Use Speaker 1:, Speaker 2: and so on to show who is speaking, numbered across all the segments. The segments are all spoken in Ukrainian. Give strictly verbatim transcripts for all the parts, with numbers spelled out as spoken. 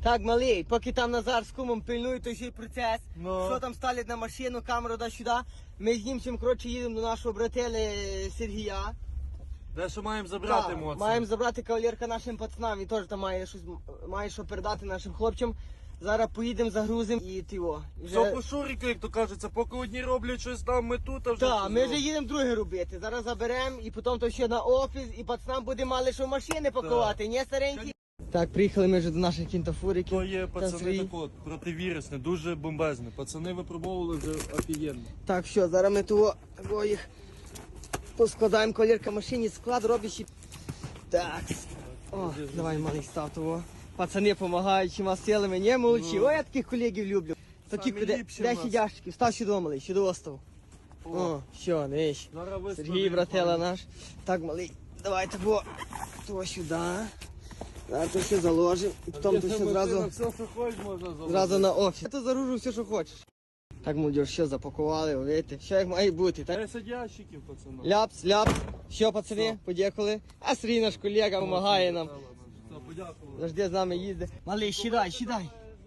Speaker 1: Так, малий, поки там Назар з кумом пильнує той ще й процес,
Speaker 2: Ну.
Speaker 1: що там ставлять на машину, камеру да-сюди, ми з німцем, коротше, їдемо до нашого братели Сергія.
Speaker 2: Де що маємо забрати
Speaker 1: Так,
Speaker 2: емоції?
Speaker 1: маємо забрати кавалерка нашим пацанам, він теж там має щось, має що передати нашим хлопцям. Зараз поїдемо, загрузимо і тиво.
Speaker 2: Все по шурику, як то кажеться, поки одні роблять щось там, ми тут, а вже...
Speaker 1: Так,
Speaker 2: щось
Speaker 1: ми вже
Speaker 2: робимо.
Speaker 1: їдемо друге робити. Зараз заберемо і потім то ще на офіс, і пацанам буде мали що машини пакувати, не старенькі? Так, приїхали ми вже до наших кінтофуриків.
Speaker 2: То є
Speaker 1: Та
Speaker 2: пацани
Speaker 1: свої.
Speaker 2: так от, противірусне, дуже бомбезне. Пацани випробовували вже офігенно.
Speaker 1: Так, все, зараз ми того, того їх поскладаємо, колірка машині, склад робиш і... Так. О, давай, малий, став того. Пацани допомагають, чима силами, не молодші.
Speaker 2: Ну.
Speaker 1: Ой, я таких колегів люблю. Такі,
Speaker 2: Самі
Speaker 1: де,
Speaker 2: ліпші
Speaker 1: де
Speaker 2: в нас.
Speaker 1: сидяшки, став сюди, малий, сюди остав.
Speaker 2: О.
Speaker 1: О, все, не ж.
Speaker 2: Зараз вискладемо.
Speaker 1: Сергій, братела наш. Так, малий, давай того, того сюди. Зараз то все заложимо. І потім то все зразу,
Speaker 2: Все, що хочеш, можна заложити.
Speaker 1: зразу на офіс. Я то загружу все, що хочеш. Так, молодь, все запакували, видите, все як має бути. Так?
Speaker 2: десять ящиків, пацанам.
Speaker 1: Ляпс, ляпс. Що, пацани, подякували. А Сергій наш колега допомагає нам.
Speaker 2: Все, подякували.
Speaker 1: Завжди з нами їздить. Малий, сідай, сідай.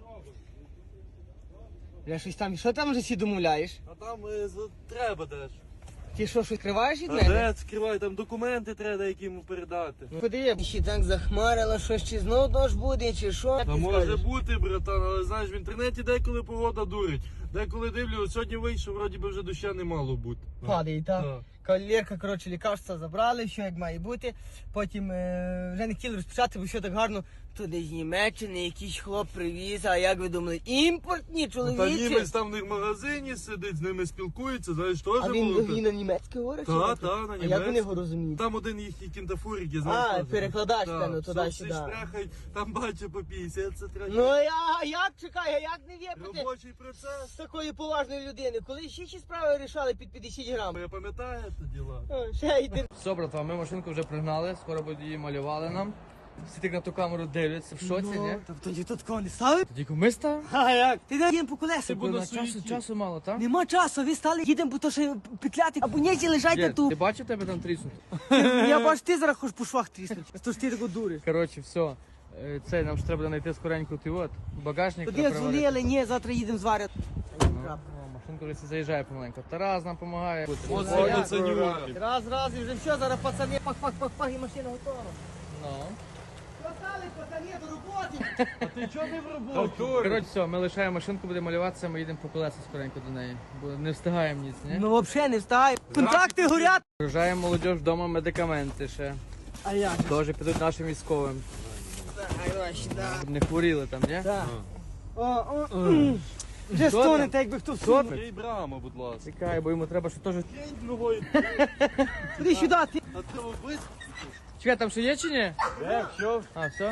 Speaker 1: Я щось там, що там вже всі домовляєш?
Speaker 2: А там е, за- треба дещо.
Speaker 1: Ти що, щось криваєш від
Speaker 2: А
Speaker 1: мене?
Speaker 2: де скривай, там документи треба деякі йому передати.
Speaker 1: Ходи, ще так захмарило, що ще знов дощ буде, чи що?
Speaker 2: Та
Speaker 1: Ти
Speaker 2: може
Speaker 1: скажеш?
Speaker 2: бути, братан, але знаєш, в інтернеті деколи погода дурить. Деколи дивлю, сьогодні вийшов, вроді би вже доща не мало бути.
Speaker 1: Падає, так?
Speaker 2: Так.
Speaker 1: Кавалерка, коротше, лікарства забрали, що як має бути. Потім е, вже не хотіли розпочати, бо що так гарно. Туди з Німеччини якийсь хлоп привіз, а як ви думали, імпортні
Speaker 2: Та
Speaker 1: чоловічі?
Speaker 2: німець там в них в магазині сидить, з ними спілкується, знаєш, теж
Speaker 1: А він,
Speaker 2: було.
Speaker 1: він на німецький говорить?
Speaker 2: Та,
Speaker 1: чи
Speaker 2: та,
Speaker 1: як?
Speaker 2: на
Speaker 1: А як вони
Speaker 2: німецький.
Speaker 1: його розуміють?
Speaker 2: Там один їхній кінтафурик, я
Speaker 1: А,
Speaker 2: знаю. теж.
Speaker 1: перекладач,
Speaker 2: Так,
Speaker 1: певно,
Speaker 2: все,
Speaker 1: туди-сюди.
Speaker 2: всі штрехають, там бачу по п'ятдесят, це треба.
Speaker 1: Ну я, як чекай, а як не випити
Speaker 2: Робочий процес.
Speaker 1: з такої поважної людини? Коли ще ще справи рішали під п'ятдесят грам?
Speaker 2: Я пам'ятаю це діла.
Speaker 1: О, ще йди.
Speaker 3: Все, братва, ми машинку вже пригнали, скоро буде її малювали нам. Всі так на ту камеру дивляться, в шоці, ні?
Speaker 1: Та тоді тут кого не ставив?
Speaker 3: Тоді ми став?
Speaker 1: А як? Ти дай їм по колесах.
Speaker 2: буду
Speaker 3: На часу,
Speaker 2: суєті.
Speaker 3: часу мало, так?
Speaker 1: Нема часу, ви стали, їдемо, бо то ще петляти, або ні, лежать на ту.
Speaker 3: Ти бачив тебе там тріснути?
Speaker 1: Я бачу, ти зараз хочеш по швах тріснути. Тож ти тако дуриш.
Speaker 3: Коротше, все. Е, Це нам ж треба знайти скоренько ти от. Багажник
Speaker 1: Тоді
Speaker 3: треба приварити.
Speaker 1: дзвонили, ні, завтра їдемо зварити.
Speaker 3: Ну, о, машинка вже це заїжджає помаленько. Тарас нам допомагає.
Speaker 2: Ось
Speaker 1: Ну,
Speaker 2: вони
Speaker 1: як?
Speaker 2: це нюхи.
Speaker 1: Раз, раз, і вже все, зараз пацани, пах-пах-пах-пах, і машина готова.
Speaker 3: Ну.
Speaker 1: Пацани, пацани, до роботи.
Speaker 2: А ти чого не в роботі?
Speaker 3: Коротше, все, ми лишаємо машинку, буде малюватися, ми їдемо по колеса скоренько до неї. Бо не встигаємо ніц, ні?
Speaker 1: Ну взагалі не встає. Контракти горять.
Speaker 3: Вражаємо молодь вдома медикаменти ще.
Speaker 1: А як?
Speaker 3: Теж підуть нашим військовим.
Speaker 1: Давай, сюди.
Speaker 3: Щоб не хворіли там, ні?
Speaker 1: Так. О, о, м. Вже стонете, якби хто всунув.
Speaker 2: Ей, Брама, будь ласка.
Speaker 3: Чекай, бо йому треба, що теж.
Speaker 2: Кинь ногою.
Speaker 1: Іди сюди, ти.
Speaker 2: А ти обис?
Speaker 3: Чекай, там ще є чи ні?
Speaker 2: Де, що?
Speaker 3: А, все?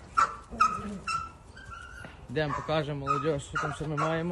Speaker 3: Йдемо, покажемо молодь, що там ще ми маємо.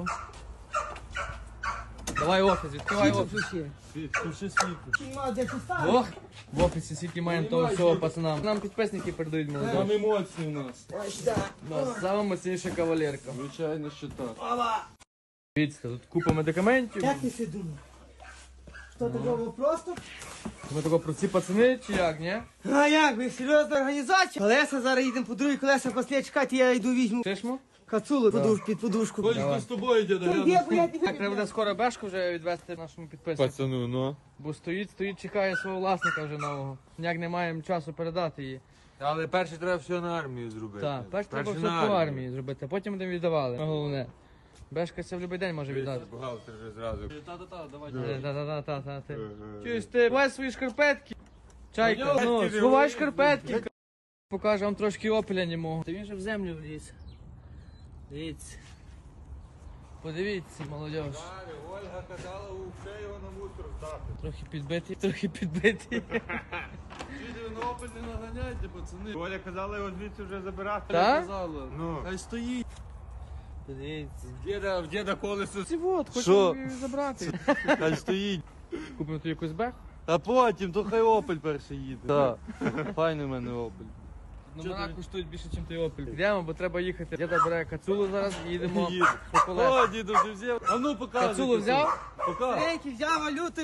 Speaker 3: Давай офіс, відкривай офіс.
Speaker 2: Включи світло.
Speaker 1: Нема де що ставити.
Speaker 3: Ох, в офісі скільки маємо того всього пацанам. Нам підписники передають молодь.
Speaker 2: Там емоції у нас.
Speaker 1: Ой, сюди.
Speaker 3: У нас сама мощніша кавалерка.
Speaker 2: Звичайно, що так.
Speaker 1: Ова.
Speaker 3: Дивіться, тут купа медикаментів.
Speaker 1: Як ти си думав? Що такого просто?
Speaker 3: Ми тако про ці пацани чи як, ні?
Speaker 1: А як ви, серйозна організація? Колеса, зараз їдемо по другій колеса, після чекати, я йду візьму
Speaker 3: Чешмо?
Speaker 1: кацулу подуш, під подушку.
Speaker 2: Коль, з тобою, дядя,
Speaker 1: Ой,
Speaker 2: рядом.
Speaker 1: є, бо я
Speaker 3: Так, треба буде скоро бешку вже відвести нашому підписнику.
Speaker 2: Пацану, ну.
Speaker 3: Бо стоїть, стоїть, чекає свого власника вже нового. Ніяк не маємо часу передати її.
Speaker 4: Але перше треба все на армію зробити.
Speaker 3: Так, перш треба
Speaker 4: Перше
Speaker 3: все
Speaker 4: на
Speaker 3: по армії зробити, а потім будемо віддавали. Головне. Бешка це в будь-який день може віддати.
Speaker 4: Бухгалтер вже зразу.
Speaker 2: Та-та-та, давай.
Speaker 3: Та-та-та-та-та. ти. Чуєш ти, бувай свої шкарпетки. Чайка, ну, сховай шкарпетки. Покаже вам трошки опеля німого. Та він же в землю вліз. Дивіться. Подивіться, молодь.
Speaker 4: Ольга казала, все його на мусор здати.
Speaker 3: Трохи підбитий, трохи підбитий.
Speaker 2: Відео на опель не наганяйте, пацани.
Speaker 4: Оля казала його звідси вже забирати.
Speaker 3: Так?
Speaker 2: Казала.
Speaker 4: Ну.
Speaker 2: Хай стоїть.
Speaker 3: Подивіться.
Speaker 4: В діда, в діда колесо.
Speaker 3: Ці от,
Speaker 2: Що?
Speaker 3: хочемо її забрати.
Speaker 2: Хай стоїть.
Speaker 3: Купимо тут якусь беху.
Speaker 2: А потім, то хай опель перший їде. Так. Файний в мене опель.
Speaker 3: Номера коштують більше, ніж той опель. Йдемо, бо треба їхати. Діда бере кацулу зараз і їдемо
Speaker 2: Їде.
Speaker 3: по колесах.
Speaker 2: О, діду вже взяв. А ну показуй.
Speaker 3: Кацулу взяв?
Speaker 2: Пока.
Speaker 1: Рейки взяв валюту.